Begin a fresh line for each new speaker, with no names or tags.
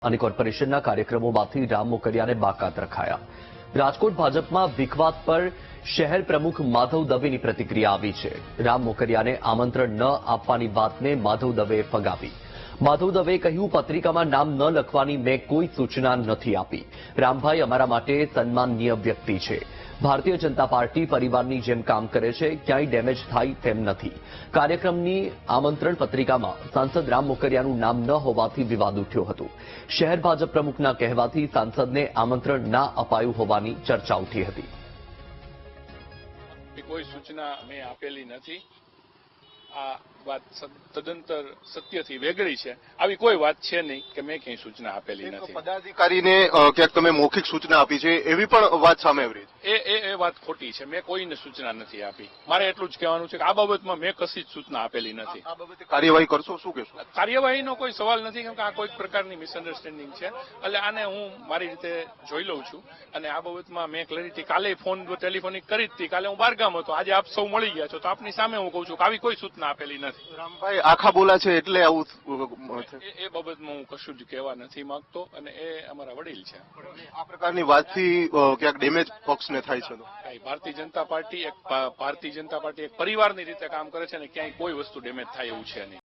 અને કોર્પોરેશનના કાર્યક્રમોમાંથી રામ મોકરિયાને બાકાત રખાયા. રાજકોટ ભાજપમાં વિખવાદ પર શહેર પ્રમુખ માધવ દવેની પ્રતિક્રિયા આવી છે. રામ મોકરિયાને આમંત્રણ ન આપવાની વાતને માધવ દવેએ ફગાવી. માધવ દવેએ કહ્યું, પત્રિકામાં નામ ન લખવાની મેં કોઈ સૂચના નથી આપી. રામભાઈ અમારા માટે સન્માનનીય વ્યક્તિ છે. ભારતીય જનતા પાર્ટી પરિવારની જેમ કામ કરે છે, ક્યાંય ડેમેજ થાય તેમ નથી. કાર્યક્રમની આમંત્રણ પત્રિકામાં સાંસદ રામ મોકરિયાનું નામ ન હોવાથી વિવાદ ઉઠ્યો હતો. શહેર ભાજપ પ્રમુખના કહેવાથી સાંસદને આમંત્રણ ના અપાયું હોવાની ચર્ચા ઉઠી હતી.
કોઈ સૂચના મેં આપેલી નથી. આ વાત તદંતર સત્યથી વેગળી છે. આવી કોઈ વાત છે નહીં કે મેં ક્યાંય સૂચના આપેલી નથી.
પદાધિકારીને ક્યાંક તમે મૌખિક સૂચના આપી છે એવી પણ વાત સામે આવી રહી છે.
એ વાત ખોટી છે. મેં કોઈને સૂચના નથી આપી. મારે એટલું જ કહેવાનું છે કે આ બાબતમાં મેં કશી જ સૂચના આપેલી નથી.
આ બાબતે કાર્યવાહી કરશો, શું કહેશો?
કાર્યવાહીનો કોઈ સવાલ નથી, કેમ કે આ કોઈક પ્રકારની મિસઅન્ડરસ્ટેન્ડિંગ છે. એટલે આને હું મારી રીતે જોઈ લઉં છું અને આ બાબતમાં મેં ક્લેરિટી કાલે ફોન ટેલિફોનિક કરી જ હતી. કાલે હું બહારગામ હતો, આજે આપ સૌ મળી ગયા છો તો આપની સામે હું કહું છું કે આવી કોઈ સૂચના આપેલી નથી.
રામભાઈ આખા બોલા છે એટલે આવું
એ બાબતમાં હું કશું જ કહેવા નથી માંગતો અને એ અમારા વડીલ છે.
આ પ્રકારની વાતથી ક્યાંક ડેમેજ પક્ષને થાય છે.
ભારતીય જનતા પાર્ટી એક પરિવારની રીતે કામ કરે છે અને ક્યાંય કોઈ વસ્તુ ડેમેજ થાય એવું છે નહીં.